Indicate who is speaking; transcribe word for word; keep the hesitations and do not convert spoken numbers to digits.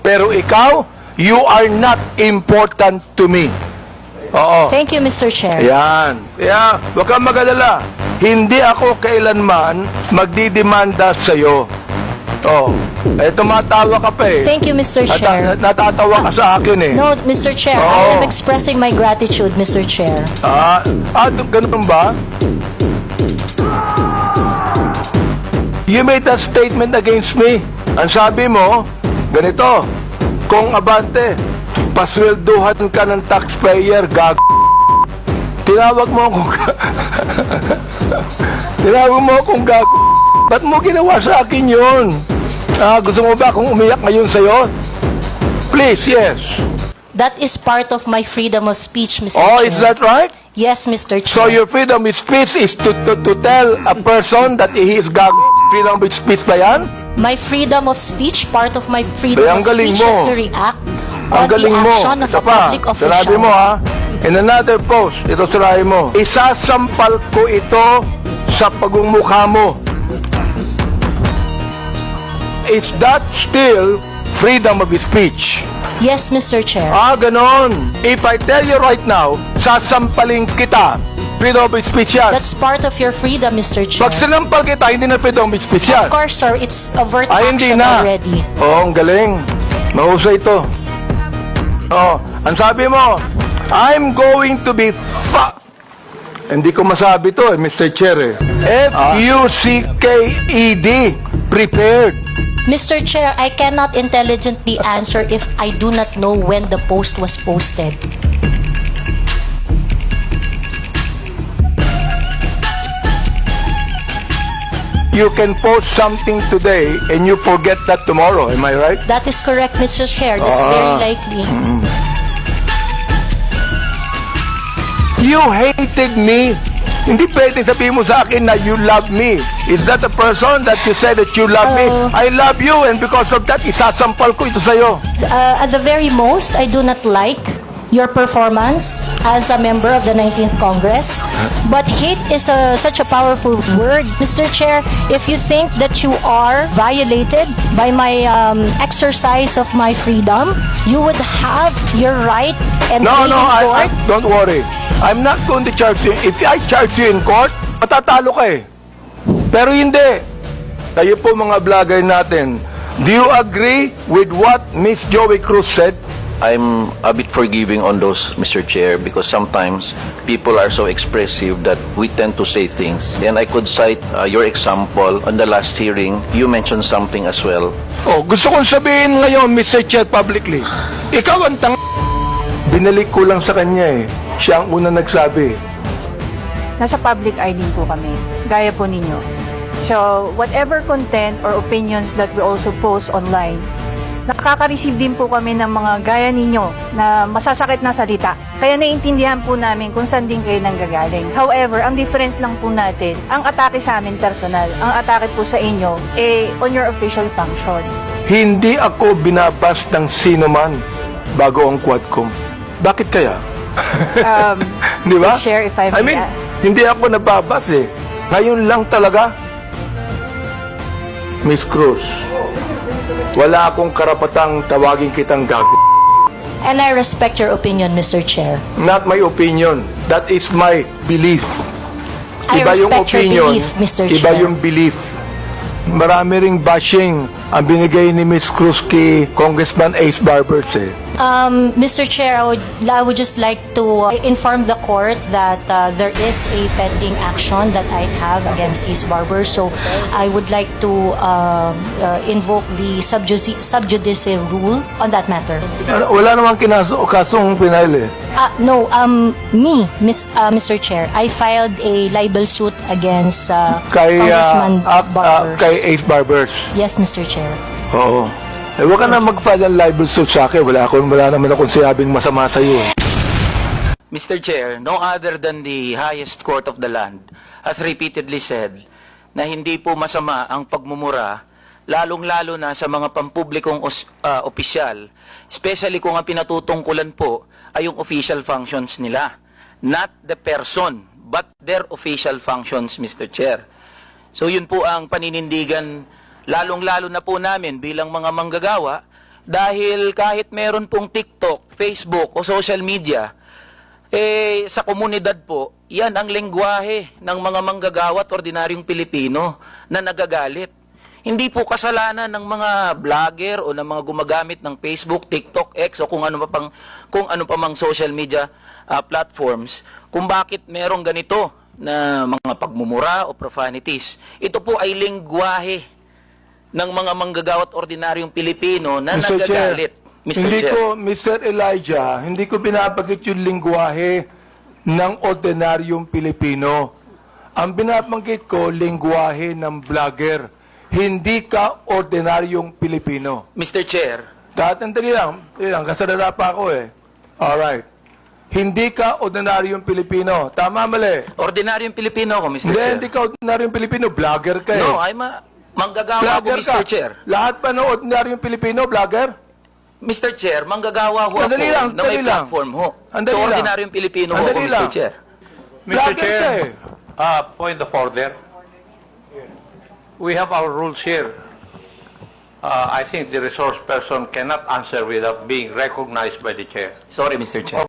Speaker 1: Pero ikaw, you are not important to me. Oo.
Speaker 2: Thank you, Mister Chair.
Speaker 1: Yan. Yeah, huwag kang mag-alala. Hindi ako kailanman magdidemanda sa'yo. Oh, eh tumatawa ka pa eh.
Speaker 2: Thank you, Mister
Speaker 1: Nata-
Speaker 2: Chair.
Speaker 1: natatawa ka sa akin eh.
Speaker 2: No, Mister Chair,
Speaker 1: Oo.
Speaker 2: I am expressing my gratitude, Mister Chair.
Speaker 1: Ah, ah, ganun ba? You made a statement against me. Ang sabi mo, ganito, kung abante, paswelduhan ka ng taxpayer, gag... Tinawag mo akong... Tinawag mo akong gag... Ba't mo ginawa sa akin yun? Ah, gusto mo ba akong umiyak ngayon sa'yo? Please, yes.
Speaker 2: That is part of my freedom of speech, Mister
Speaker 1: Oh,
Speaker 2: Chair.
Speaker 1: is that right?
Speaker 2: Yes, Mister Chair.
Speaker 1: So your freedom of speech is to, to, to tell a person that he is gag... Freedom of speech ba yan?
Speaker 2: My freedom of speech, part of my freedom
Speaker 1: Eh, ang
Speaker 2: of
Speaker 1: galing
Speaker 2: speech is
Speaker 1: mo.
Speaker 2: to react
Speaker 1: Ang
Speaker 2: on the
Speaker 1: galing mo.
Speaker 2: action of
Speaker 1: Ito
Speaker 2: a
Speaker 1: pa,
Speaker 2: public official.
Speaker 1: sinabi mo ha, in another post, ito sinabi mo, isasampal ko ito sa pagmumukha mo. Is that still freedom of speech?
Speaker 2: Yes, Mister Chair.
Speaker 1: Ah, ganon. If I tell you right now, sasampalin kita, freedom of speech yan.
Speaker 2: That's part of your freedom, Mister Chair.
Speaker 1: Pag sinampal kita, hindi na freedom of speech yan.
Speaker 2: Of course, sir, it's overt
Speaker 1: Ay, hindi
Speaker 2: action
Speaker 1: na.
Speaker 2: already.
Speaker 1: Oo, ang galing. Mahusay ito. Oh, ang sabi mo, I'm going to be fa... Hindi ko masabi to, eh, Mister Chair. Eh. F U C K E D. Prepared.
Speaker 2: Mister Chair, I cannot intelligently answer if I do not know when the post was posted.
Speaker 1: You can post something today and you forget that tomorrow. Am I right?
Speaker 2: That is correct, Mister Chair. That's
Speaker 1: Ah.
Speaker 2: very likely.
Speaker 1: You hated me. Hindi pwede sabihin mo sa akin na you love me. Is that a person that you said that you love me?
Speaker 2: Oh.
Speaker 1: I love you and because of that, isasampal ko ito sa'yo.
Speaker 2: Uh, at the very most, I do not like your performance as a member of the nineteenth Congress. But hate is a, such a powerful word, Mister Chair. If you think that you are violated by my um, exercise of my freedom, you would have your right and
Speaker 1: No,
Speaker 2: be
Speaker 1: no,
Speaker 2: in
Speaker 1: I, I,
Speaker 2: court.
Speaker 1: don't worry. I'm not going to charge you. If I charge you in court, matatalo ka eh. Pero hindi. Kayo po mga vlogger natin, do you agree with what Miss Joey Cruz said?
Speaker 3: I'm a bit forgiving on those, Mister Chair, because sometimes people are so expressive that we tend to say things. And I could cite uh, your example on the last hearing. You mentioned something as well.
Speaker 1: Oh, gusto kong sabihin ngayon, Mister Chair, publicly. Ikaw ang tang... Binalik ko lang sa kanya eh. Siya ang una nagsabi.
Speaker 4: Nasa public eye din po kami, gaya po ninyo. So, whatever content or opinions that we also post online, nakaka-receive din po kami ng mga gaya ninyo na masasakit na salita. Kaya naiintindihan po namin kung saan din kayo nanggagaling. However, ang difference lang po natin, ang atake sa amin personal, ang atake po sa inyo, eh, on your official function.
Speaker 1: Hindi ako binabas ng sino man bago ang Quadcom. Bakit kaya?
Speaker 4: Um,
Speaker 1: Di ba?
Speaker 4: share if I may
Speaker 1: I mean,
Speaker 4: add.
Speaker 1: hindi ako nababas eh. Ngayon lang talaga. Miss Cruz, wala akong karapatang tawagin kitang gago.
Speaker 2: And I respect your opinion, Mister Chair.
Speaker 1: Not my opinion. That is my belief.
Speaker 2: I respect your belief, Mister
Speaker 1: Iba
Speaker 2: Chair.
Speaker 1: yung belief. Marami ring bashing ang binigay ni Miss Cruz kay Congressman Ace Barbers eh.
Speaker 2: Um, Mister Chair, I would, I would just like to uh, inform the court that uh, there is a pending action that I have against Ace Barber. So I would like to uh, uh, invoke the sub judice, sub judice rule on that matter.
Speaker 1: Ano, Wala namang kinaso, kasong pinail eh.
Speaker 2: Uh, no, um, me, Miss, uh, Mister Chair, I filed a libel suit against uh,
Speaker 1: Kay,
Speaker 2: Congressman
Speaker 1: ah, ah, ah,
Speaker 2: Barbers.
Speaker 1: kay Ace Barbers.
Speaker 2: Yes, Mister Chair.
Speaker 1: Oo. Eh, huwag ka na mag-file ng libel suit sa akin. Wala, akong, wala naman akong sinabing masama sa iyo. Eh.
Speaker 5: Mister Chair, no other than the highest court of the land has repeatedly said na hindi po masama ang pagmumura, lalong-lalo na sa mga pampublikong os, uh, opisyal, especially kung ang pinatutungkulan po ay yung official functions nila. Not the person, but their official functions, Mister Chair. So yun po ang paninindigan, lalong-lalo na po namin bilang mga manggagawa, Dahil kahit meron pong TikTok, Facebook o social media, eh, sa komunidad po, yan ang lengguwahe ng mga manggagawa at ordinaryong Pilipino na nagagalit. Hindi po kasalanan ng mga vlogger o ng mga gumagamit ng Facebook, TikTok, X o kung ano pa pang kung ano pa mang social media ah, platforms kung bakit merong ganito na mga pagmumura o profanities. Ito po ay lengguwahe ng mga manggagawa at ordinaryong Pilipino na
Speaker 1: mister Chair,
Speaker 5: nagagalit. mister
Speaker 1: hindi
Speaker 5: Chair.
Speaker 1: ko, Mister Elijah, hindi ko binabanggit yung lingwahe ng ordinaryong Pilipino. Ang binabanggit ko, lingwahe ng vlogger. Hindi ka ordinaryong Pilipino.
Speaker 5: mister Chair,
Speaker 1: Tatandali lang, dali lang, kasalala pa ako eh. Alright. Hindi ka ordinaryong Pilipino. Tama, mali.
Speaker 5: ordinaryong Pilipino ako, mister
Speaker 1: Hindi,
Speaker 5: Chair.
Speaker 1: hindi ka ordinaryong Pilipino. Vlogger ka eh.
Speaker 5: No, I'm a manggagawa ako,
Speaker 1: Vlogger
Speaker 5: mister
Speaker 1: ka.
Speaker 5: Chair.
Speaker 1: Lahat pa ng ordinaryong Pilipino, vlogger?
Speaker 5: mister Chair, manggagawa ho ako
Speaker 1: Andali lang,
Speaker 5: na may
Speaker 1: andali lang.
Speaker 5: platform ho.
Speaker 1: Andali
Speaker 5: So,
Speaker 1: lang.
Speaker 5: ordinaryong Pilipino ho ako,
Speaker 1: Andali
Speaker 5: mister
Speaker 1: lang.
Speaker 5: Chair.
Speaker 6: mister
Speaker 1: Vlogger ka
Speaker 6: Chair,
Speaker 1: eh.
Speaker 6: uh, point of order. We have our rules here. Uh, I think the resource person cannot answer without being recognized by the chair.
Speaker 5: Sorry, mister Chair.